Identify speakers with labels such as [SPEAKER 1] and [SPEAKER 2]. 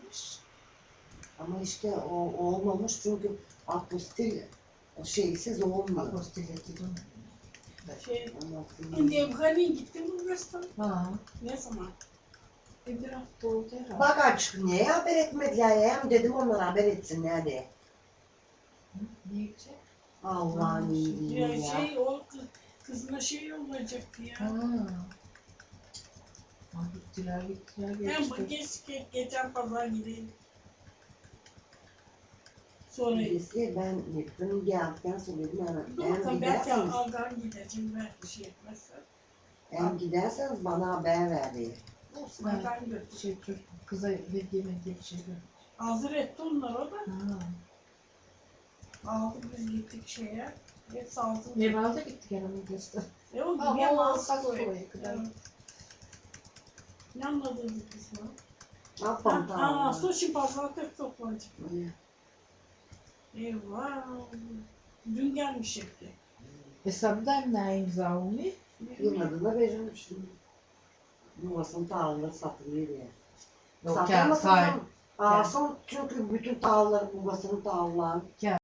[SPEAKER 1] gelmiş. Ama işte o olmamış çünkü apostil o şeysiz olmuyor.
[SPEAKER 2] Apostil ettim.
[SPEAKER 3] Nevhani gitti mi Bulgaristan?
[SPEAKER 2] Ha.
[SPEAKER 3] Ne zaman? Bir hafta oldu herhalde.
[SPEAKER 1] Bak açık niye haber etmediler ya? Hem dedim onlara haber etsinler diye.
[SPEAKER 2] Ne gidecek?
[SPEAKER 1] Allah'ın iyiliği
[SPEAKER 3] Ya
[SPEAKER 1] ya.
[SPEAKER 3] o kızına olacaktı ya.
[SPEAKER 2] Ha. Ha, gittiler
[SPEAKER 3] Ben bu
[SPEAKER 2] geçti.
[SPEAKER 3] geçen pazar gideyim. Sonra
[SPEAKER 1] Birisi ben gittim geldikten sonra dedim
[SPEAKER 3] dur
[SPEAKER 1] hem
[SPEAKER 3] bakalım belki
[SPEAKER 1] giderseniz,
[SPEAKER 3] Aldan gideceğim belki şey etmezsen.
[SPEAKER 1] hem giderseniz bana haber ver diye.
[SPEAKER 3] Olsun Aldan götür.
[SPEAKER 2] Şey çocuk kıza hediye bir şey ver.
[SPEAKER 3] Hazır etti onlar o da.
[SPEAKER 2] Ha.
[SPEAKER 3] Aldık biz gittik şeye. Hepsi altın.
[SPEAKER 2] Neval'da gittik yanıma göster.
[SPEAKER 3] O gibi
[SPEAKER 2] Ama
[SPEAKER 3] ama
[SPEAKER 2] o
[SPEAKER 3] az
[SPEAKER 2] az
[SPEAKER 3] koy.
[SPEAKER 2] koy kadar.
[SPEAKER 3] Evet. Ne anladınız kısmı?
[SPEAKER 1] Ne yapalım tamam.
[SPEAKER 3] Sushi pazartesi toplanacak. Eyvah. Dün gelmiş hepsi.
[SPEAKER 2] Hesabdan ne imza olmuyor?
[SPEAKER 1] Yılmadığında da verilmiştim. Yuvasının tağları satılıyor diye.
[SPEAKER 2] Yok
[SPEAKER 1] Satılmasın
[SPEAKER 2] sahip.
[SPEAKER 1] canım. Alsın çünkü bütün tağları, babasının tağları.